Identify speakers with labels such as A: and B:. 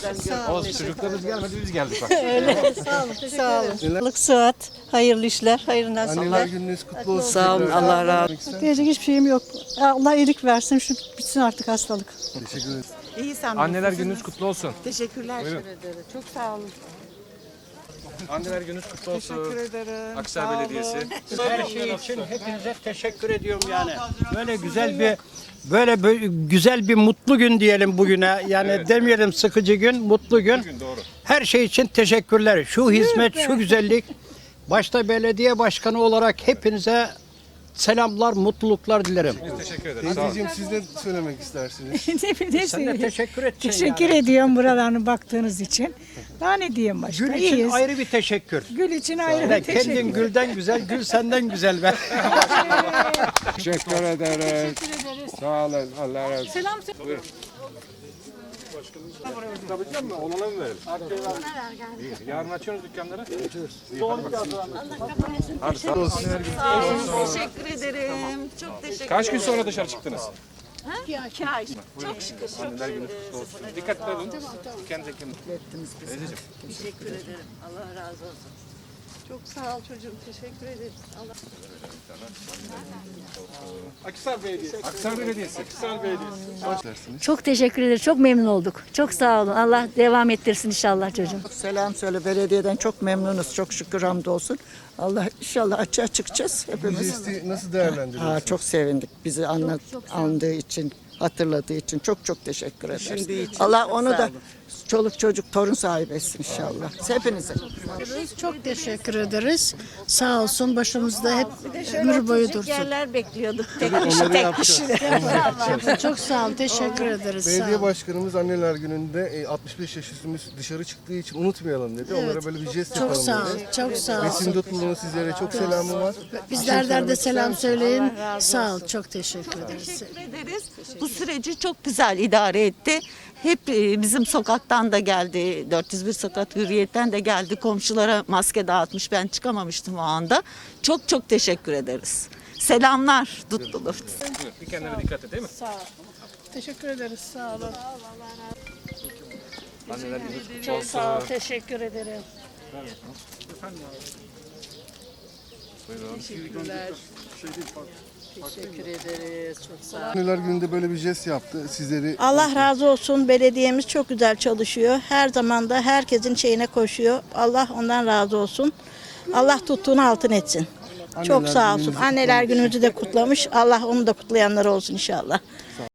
A: Olsun, çocuklarımız gelmedi, biz geldik bak.
B: Sağ olun. Sağlık, sıhhat, hayırlı işler, hayırlı
C: Anneler
B: nasipler.
C: gününüz kutlu olsun.
B: Sağ olun,
C: tekrar.
B: Allah razı olsun. Diyecek hiçbir şeyim yok. Allah iyilik versin, şu bitsin artık hastalık.
C: Teşekkür ederim.
D: İyi sen
A: Anneler gününüz kutlu olsun.
D: Teşekkürler. Çok sağ olun.
A: Anneler gününüz kutlu olsun.
D: Teşekkür ederim.
A: Aksaray Belediyesi.
E: Her şey için hepinize teşekkür ediyorum yani. Böyle güzel bir mutlu gün diyelim bugüne. Yani demeyelim sıkıcı gün, mutlu gün.
A: Doğru.
E: Her şey için teşekkürler. Şu hizmet, şu güzellik. Başta belediye başkanı olarak hepinize selamlar, mutluluklar dilerim.
A: Teşekkür ederim. Sağ olun.
C: Teyzeciğim siz de söylemek istersiniz.
E: Sen de teşekkür edeceksin
F: Teşekkür
E: yani.
F: ediyorum buralarını baktığınız için. Daha ne diyeyim başka?
E: Gül için
F: İyiyiz.
E: ayrı bir teşekkür.
F: Gül için ayrı
E: Ve
F: bir teşekkür.
E: kendin gülden güzel, gül senden güzel be.
G: Teşekkür ederiz. Sağ olun. Allah razı olsun.
F: Selam.
A: Tutabilecek misin? Olana mı verelim? İyi. Yarın açıyoruz dükkanları. Açıyoruz. Hadi sağ olun.
D: Teşekkür ederim. Çok teşekkür
A: Kaç gün sonra dışarı çıktınız?
D: İki ay. Çok şükür.
A: Anneler gününüz kutlu olsun. Dikkatli olun. Kendinize kim?
D: Teşekkür ederim. Allah razı olsun. Çok sağ ol çocuğum. Teşekkür ederim. Allah
A: Aksaray Belediyesi.
H: Çok teşekkür ederiz. Çok memnun olduk. Çok sağ olun. Allah devam ettirsin inşallah çocuğum.
B: Selam söyle, belediyeden çok memnunuz, çok şükür hamdolsun. Allah inşallah açığa çıkacağız
C: Bu
B: hepimiz.
C: jesti nasıl değerlendiriyorsunuz?
B: Çok sevindik bizi andığı için, hatırladığı için çok teşekkür ederiz. Allah onu da çoluk çocuk torun sahibi etsin inşallah. Hepinize.
F: Çok teşekkür ederiz. Sağ olsun başımızda hep ömür boyu dursun.
D: yerler bekliyorduk.
C: Onları yapacağız.
F: Çok sağ ol. Teşekkür ederiz.
C: Belediye başkanımız anneler gününde 65 yaş üstümüz dışarı çıktığı için unutmayalım dedi. Onlara böyle bir jest
F: Çok
C: yapalım
F: sağ ol.
C: dedi.
F: Çok sağ ol.
C: Besim Dutlu'nun sizlere çok selamı var.
F: Bizlerden de selam söyleyin. Sağ ol. Çok teşekkür ederiz.
D: Teşekkür ederiz. Bu süreci çok güzel idare etti. Hep bizim sokaktan da geldi. 401 sokak hürriyetten de geldi. Komşulara maske dağıtmış. Ben çıkamamıştım o anda. Çok teşekkür ederiz. Selamlar Dutlulu.
A: Bir kendine dikkat et değil mi?
F: Teşekkür ederiz. Sağ olun.
A: Anneler gününüz kutlu
F: Çok
A: olsun.
F: sağ ol. Teşekkür ederim.
C: Anneler gününde böyle bir jest yaptı. Sizleri
I: Allah razı olsun. Belediyemiz çok güzel çalışıyor. Her zaman da herkesin şeyine koşuyor. Allah ondan razı olsun. Allah tuttuğunu altın etsin. Çok sağ olsun.
C: gününüzü
I: Anneler günümüzü de kutlamış. Allah onu da kutlayanlar olsun inşallah.